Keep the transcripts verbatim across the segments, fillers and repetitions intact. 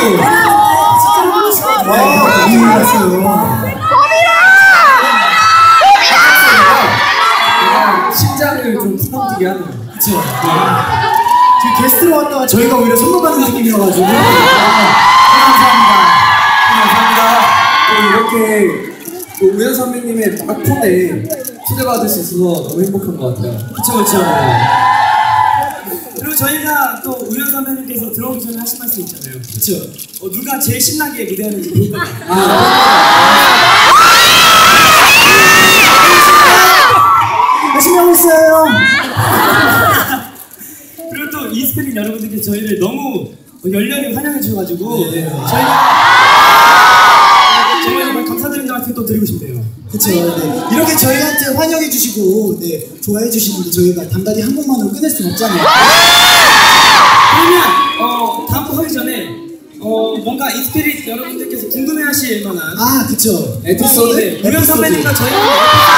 와, 너무 잘했어요. 심장을 좀 부담되게 하는. 그쵸. 지금 게스트로 왔다가 저희가 오히려 선물 받는 느낌이어가지고. 감사합니다. 감사합니다. 또 이렇게 또 우연 선배님의 막폰에 초대받을 수 있어서 너무 행복한 것 같아요. 그쵸, 그쵸. 그리고 저희가 또 우연 선배님께서 들어오기 전에 하신 말씀 있잖아요. 그쵸. 어, 누가 제일 신나게 무대하는지 볼 거예요. 열심히 하고 있어요. 그리고 또 이스페린 여러분들께서 저희를 너무 열렬히 환영해 주셔가지고 네. 저희가 정말 정말 감사드린다는 말씀 또 드리고 싶네요. 그쵸. 네. 이렇게 저희한테 환영해 주시고, 네, 좋아해 주시는데 저희가 단단히 한 곡만으로 끝낼 순 없잖아요. 그러면 어, 다음 곡 하기 전에 어, 뭔가 이스피릿 여러분들께서 궁금해하실 만한 아, 그쵸. 에피소드, 네, 우연 선배님과 저희가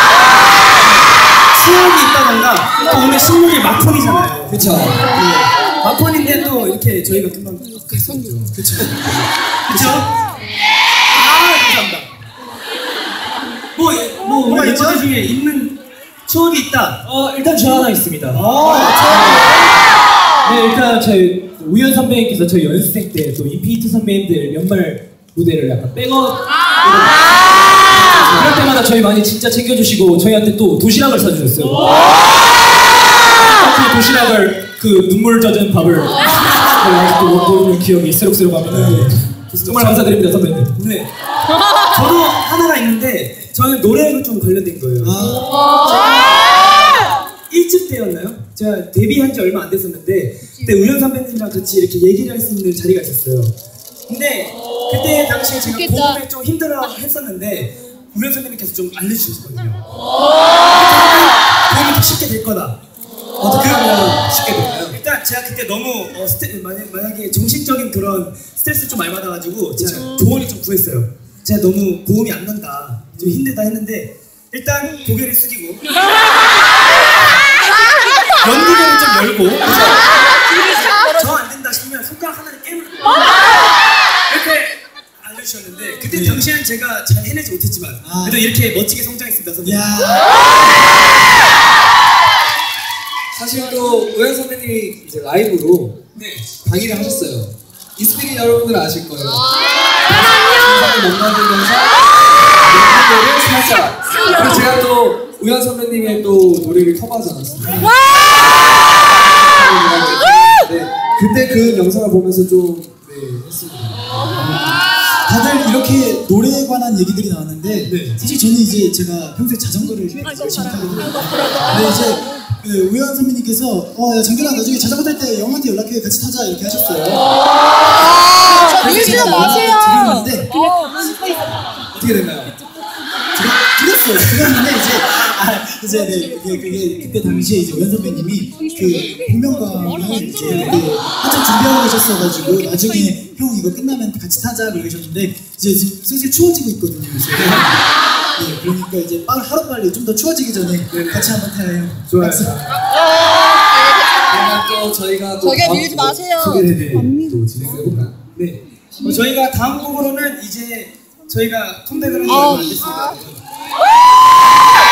수업이 있다던가 또 오늘 신문이 마폰이잖아요. 그쵸. 네. 마폰인데 또 이렇게 저희가 금방 갔었죠. 그쵸. 그쵸? 아, 감사합니다. 뭐, 뭐, 뭐가 우리 있죠? 멤버들 중에 있는 추억이 있다. 어, 일단 저 하나 있습니다. 어, 네, 일단 저희 우연 선배님께서 저희 연습생 때 또 인피니트 선배님들 연말 무대를 약간 백업 그럴 때마다 저희 많이 진짜 챙겨주시고 저희한테 또 도시락을 사주셨어요. 그 도시락을 그 눈물 젖은 밥을 아직도 못 보는 기억이 새록새록합니다. 정말 감사드립니다 선배님. 네. 저도 하나가 있는데 저는 노래로 좀 관련된 거예요. 일 집 때였나요? 제가 데뷔한 지 얼마 안 됐었는데 그때 우연 선배님이랑 같이 이렇게 얘기를 할 수 있는 자리가 있었어요. 근데 그때 당시에 제가 고음에 좀 힘들어 했었는데 우연 선배님께서 좀 알려주셨거든요. 고음이 더 쉽게 될 거다. 어떻게 하면 쉽게 될까요? 일단 제가 그때 너무 어, 스테, 만약, 만약에 정신적인 그런 스트레스 좀 많이 받아가지고 제가 조언을 좀 구했어요. 제가 너무 고음이 안 난다, 좀 힘들다 했는데 일단 고개를 숙이고 연기를 좀 열고 저 안 된다 싶으면 손가락 하나를 깨물고 이렇게 알려주셨는데 그때 네. 당시에는 제가 잘 해내지 못했지만 아. 그래도 이렇게 멋지게 성장했습니다 선배님. 야. 사실 또 우연 선배님이 이제 라이브로 네. 강의를 하셨어요. 이스피릿 여러분들 아실 거예요. 세상을 못 만들면서 노래를 살짝. 그리고 제가 또 우연 선배님의 또 노래를 커버하지 않았습니다. 네, 그때 그 영상을 보면서 좀 네, 했습니다. 다들 이렇게 노래에 관한 얘기들이 나왔는데 네. 사실 저는 이제 제가 평소에 자전거를 열심히 타거든요. 근데 이제 그 우연 선배님께서 어, 야, 장준아 나중에 자전거 탈 때 영한테 연락해 같이 타자 이렇게 하셨어요. 그래서 제가 연락을 드렸는데 어떻게 됐나요? 드렸어요. 드렸는데 이제 아, 이제 네, 그게, 그게 그때 당시에 이제 우연 선배님이 그 복면가왕을 이제 그 한참 준비하고 계셨어가지고 나중에 형 이거 끝나면 같이 타자 그러셨는데 이제 지금 슬슬 추워지고 있거든요. 그래서 네, 그러니까 이제 빨리 하루 빨리 좀 더 추워지기 전에 같이 한번 타요. 좋아요. 그러면 또 저희가 또 저기요, 다음 밀지 곡 마세요. 소개를 또 진행해볼까요? 네. 어, 저희가 다음 곡으로는 이제 저희가 컴백을 한 지 얼마 안 됐습니다.